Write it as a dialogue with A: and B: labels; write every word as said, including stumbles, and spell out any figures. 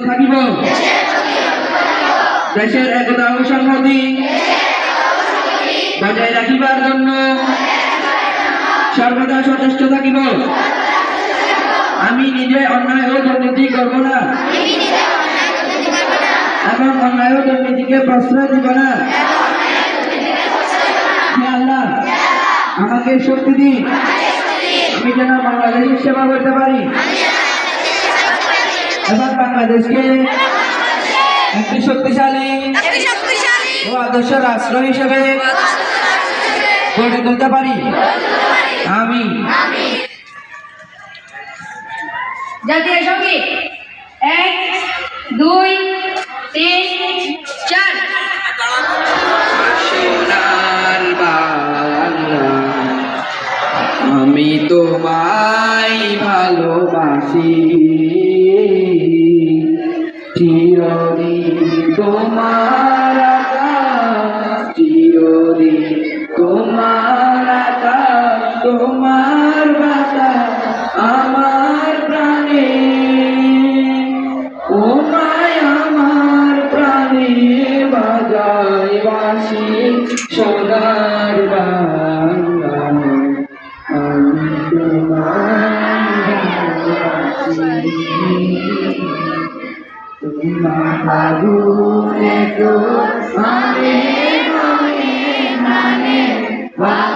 A: থাকিব দেশের একতা ও সংহতি বজায় রাখিবার জন্য সর্বদা সচেষ্ট থাকিব। আমি নিজে অন্যায় ও দুর্নীতি করব না এবং অন্যায় ও দুর্নীতিকে প্রশ্রয় দিব না। হে আল্লাহ, আমাকে শক্তি দিন, আমি যেন বাংলাদেশের সেবা করতে পারি এবং বাংলাদেশকে একটি শক্তিশালী ও আদর্শ রাষ্ট্র হিসেবে গড়ে তুলতে পারি। আমি
B: জাতীয় সঙ্গীত এক দুই তিন চার।
A: সোনার বাংলা, আমি তোমায় ভালোবাসি, চিরদিন তোমার আকাশ, চিরদিন তোমার আকাশ, তোমার বাতাস আমার প্রাণে, ও মায় আমার প্রাণে বাজায় বাঁশি। সোনার বাংলা, আমি তোমায় ভালোবাসি, তোমার আগুনে তো মানে মানে মানে